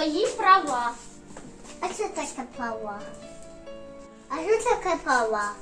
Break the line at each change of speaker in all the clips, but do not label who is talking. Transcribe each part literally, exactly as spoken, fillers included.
свої права.
А що таке права? А що таке права?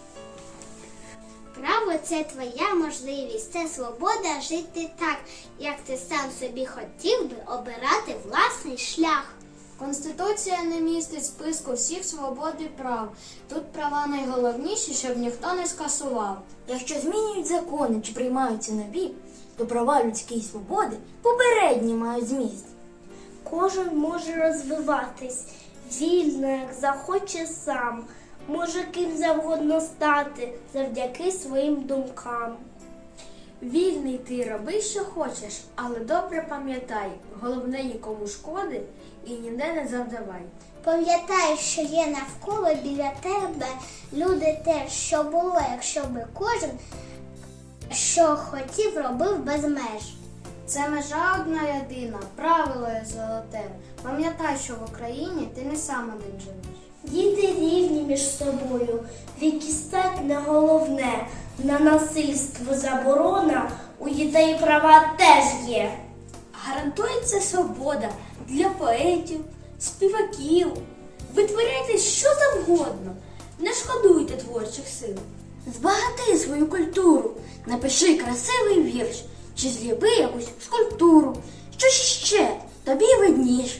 Право – це твоя можливість, це свобода жити так, як ти сам собі хотів би, обирати власний шлях.
Конституція не містить списку всіх свобод і прав. Тут права найголовніші, щоб ніхто не скасував.
Якщо змінюють закони чи приймаються нові, то права людські і свободи попередні мають зміст.
Кожен може розвиватись вільно, як захоче сам, може ким завгодно стати завдяки своїм думкам.
Вільний ти, роби, що хочеш, але добре пам'ятай, головне нікому шкоди і ніде не завдавай.
Пам'ятай, що є навколо біля тебе люди теж, що було, якщо би кожен, що хотів, робив без меж.
Це межа одна єдина, правило є золоте. Пам'ятай, що в Україні ти не сам один живеш.
Діти рівні між собою, вік і стать не головне, на насильство заборона, у дітей права теж є.
Гарантується свобода для поетів, співаків. Витворяйте що завгодно, не шкодуйте творчих сил. Збагати свою культуру, напиши красивий вірш, чи зліпи якусь скульптуру. Що ж іще, тобі видніш.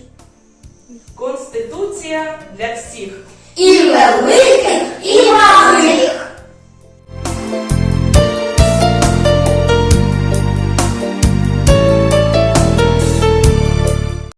Конституція для всіх.
І великих, і малих.